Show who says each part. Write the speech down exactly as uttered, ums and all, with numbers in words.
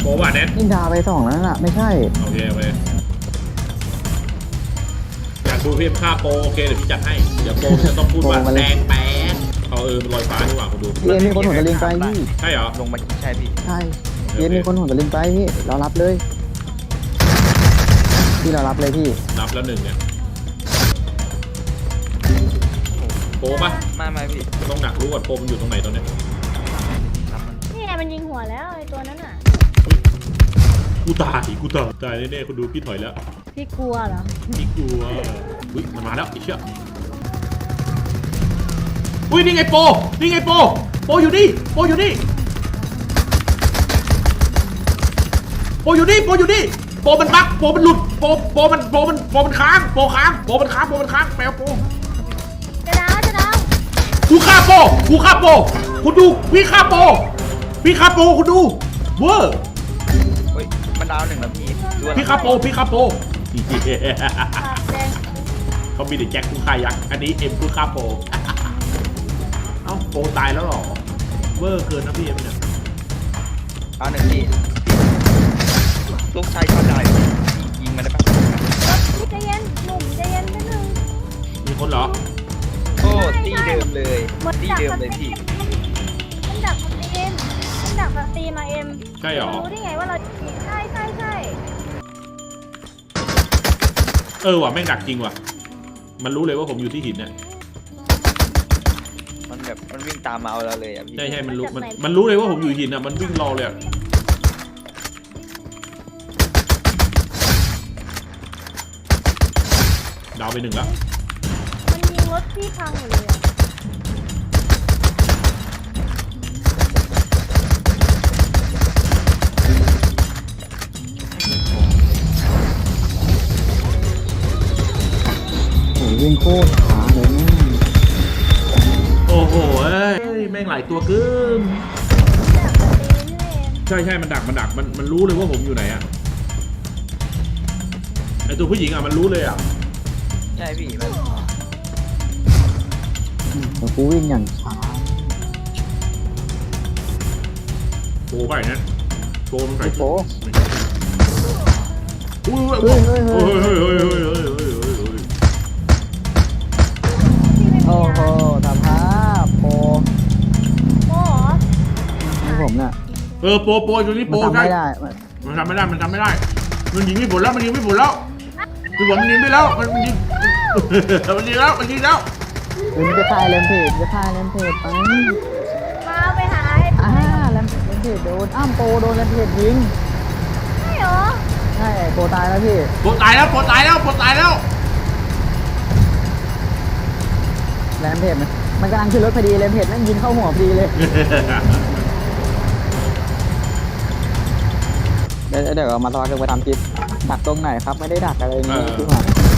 Speaker 1: โปว่ะแนท
Speaker 2: นินดาไปสองแล้วน่ะไม่ใช่
Speaker 1: โอเคโอเคอยากดูพี่ฆ่าโปโอเคเดี๋ยวพี่จัดให้เดี๋ยวโปจะต้องพูดว่าแดงแป๊ดเอาเออมันลอยฟ้าดีกว่าคุณดู
Speaker 2: เย็นมีคนหัวตะลิงไปพี่
Speaker 1: ใช่เหรอ
Speaker 3: ลงมาใช่พี่
Speaker 2: ใช่เย็นมีคนหัวตะลิงไปพี่เรารับเลยพี่เรารับเลยพี่
Speaker 1: รับแล้วหนึ่งเนี่ยโปป่ะ
Speaker 3: ไม่ไม่พี่
Speaker 1: ต้องดักรู้ก่อนโปมันอยู่ตรงไหนตอนนี้
Speaker 4: นี่ไงมันยิงหัวแล้วไอ้ตัวนั้นอ่ะ
Speaker 1: กูตายกูตายตายแน่ๆคุณดูพี่ถอยแล้ว
Speaker 4: พี่กลัวเหรอ
Speaker 1: พี่กลัวอุ้ยมันมาแล้วไอ้เชี่ยอุ้ยนี่ไงโปนี่ไงโปโปอยู่นี่โปอยู่นี่โปอยู่นี่โปอยู่นี่โปมันบั๊กโปมันหลุดโปโปมันโปมันโปมันค้างโปค้างโปมันค้างโปมันค้างแปลโป
Speaker 4: จะดาวจะดาว
Speaker 1: กูฆ่าโปกูฆ่าโปคุณดูพี่ฆ่าโปพี่ฆ่าโปคุณดูเวอร์
Speaker 3: เฮ้ยมันดาวหนึ่งแล้วพี่
Speaker 1: พี่ฆ่าโปพี่ฆ่าโปเขามีแต่แจ็คกูฆ่ายักษ์อันนี้เอ็มกูฆ่าโปเอ้าโปตายแล้วหรอเวอร์เกินนะพี่เอ็มเนี่ย
Speaker 3: เอาหนึ่งพี่ลูกชายเขาได้ยิงมาได้ปะ
Speaker 4: พี่ใจเย็นหนุ่มใจเย็นนิดนึง
Speaker 1: มีคนเหรอ
Speaker 3: โอ้ตีเดิมเลยตีเดิมเลยพี่
Speaker 4: มันดักมาเอ็มมันดักมาตีมาเอ็ม
Speaker 1: ใช่หรอ
Speaker 4: รู้ได้ไงว่าเราใช่ใช่ใช่
Speaker 1: เออว่ะแม่งดักจริงว่ะมันรู้เลยว่าผมอยู่ที่หินเนี่ย
Speaker 3: มันแบบมันวิ่งตามมาเอาเราเลยอ่ะพี่
Speaker 1: ใช่ใช่มันรู้มันมันรู้เลยว่าผมอยู่หินอ่ะมันวิ่งรอเลยดาวไปหนึ่งแล้ว
Speaker 4: มันยิงรถที่พังหมดเลย
Speaker 2: โอ้ยวิ่งโคตรช้าเลยแม่
Speaker 1: โอ้โหเอ้ยแม่งหลายตัวเกินใช่ใช่มันดักมันดักมันมันรู้เลยว่าผมอยู่ไหนอ่ะไอตัวผู้หญิงอ่ะมันรู้เลยอ่ะ
Speaker 3: ใช่พี่มัน
Speaker 2: แต่กูวิ่งอย่างช้า
Speaker 1: โปไปนะโปมันใส่
Speaker 2: โป
Speaker 1: อุ้ยเฮ้ยเฮ้ยเฮ้ยเฮ้ยเฮ้ยเฮ้ยเฮ้ยเฮ้ยเฮ้ย
Speaker 2: โอ้โหทำภาพโป
Speaker 4: โปเหรอ
Speaker 2: นี่ผมเนี่ย
Speaker 1: เออโปโปตัวนี้โป
Speaker 2: ใช่ไม่ได้
Speaker 1: มันทำไม่ได้มันทำไม่ได้มันยิงไม่ผลแล้วมันยิงไม่ผลแล้วคือผมมันยิงไม่แล้วมันมันยิงมันยิงแล้วมันยิงแล้ว
Speaker 2: มันจะถ่ายเลนเพจจะถ่ายเลนเพจไป
Speaker 4: มาไปหาให้
Speaker 2: อ่าเลนเพจโดนอ้ามโปโดนเลนเพจยิง
Speaker 4: ใช่เหรอ
Speaker 2: ใช่โปตายแล้วพี่
Speaker 1: โปตายแล้วโปตายแล้วโปตายแล้ว
Speaker 2: เลนเพจมันมันกำลังขึ้นรถพอดีเลนเพจนั่งยิงเข้าหัวพอดีเลยเดี๋ยวเดี๋ยวมาตอนกันไปทำคลิปดักตรงไหนครับไม่ได้ดักอะไรนี่ที่ผ่าน